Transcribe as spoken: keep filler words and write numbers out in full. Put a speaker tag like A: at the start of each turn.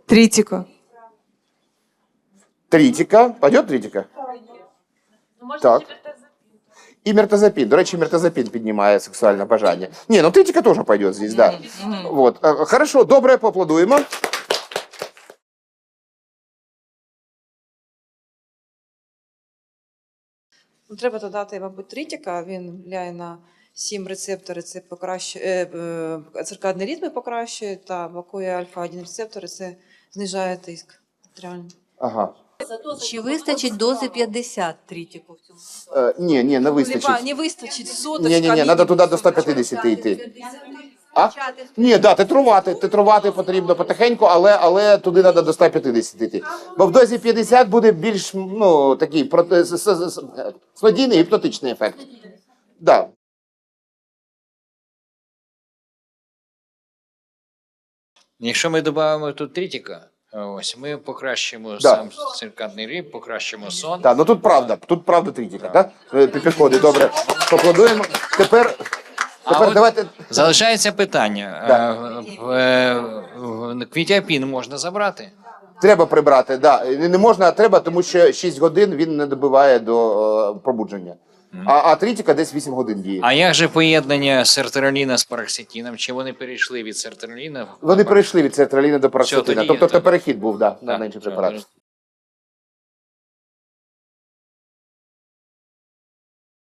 A: Тритика.
B: Тритика. Пойдет тритика? Так. І мертазапін. До речі, мертазапін піднімає сексуальне бажання. Ні, ну тритика теж пойде здесь, да. Вот. Е, Хорошо, добре, поаплодуємо.
C: Ну, треба додати, мабуть, тритика. Він впливає на сім рецептори, це покращує, е, е, циркадні ритми покращує, та блокує альфа один рецептори, це знижає тиск артеріальний.
B: Ага.
D: Чи вистачить дози п'ятдесят тритику в цьому?
B: Е, ні, ні, не
C: Либо
B: вистачить.
C: не вистачить соточка.
B: Ні, ні, ні, треба туди до ста п'ятдесят йти. А? Ні, да, титрувати, титрувати потрібно потихеньку, але, але туди треба до ста п'ятдесят йти. Бо в дозі п'ятдесят буде більш, ну, такий проти- с- с- с- снодійний гіпнотичний ефект. Да.
E: Якщо ми додамо тут тритика, ось ми покращимо
B: Да.
E: сам циркадний ритм, покращимо сон.
B: Так, ну тут правда, тут правда тритика, так? Да? Підходить, добре. Поаплодуємо. Тепер,
E: А
B: тепер
E: от
B: давайте...
E: залишається питання.
B: Да.
E: Е, в- е, в- Квітіапін можна забрати?
B: Треба прибрати, да. Не можна, а треба, тому що шість годин він не добиває до е, пробудження. А, а тритика десь вісім годин діє.
E: А як же поєднання сертраліна з параксетином? Чи вони перейшли від сертраліна? в
B: Вони
E: пар-
B: перейшли від сертраліна до парацетина.
E: тоді-
B: Тобто це
E: тоді-
B: перехід був, да, на
E: Так,
B: інший
E: так,
B: препарат.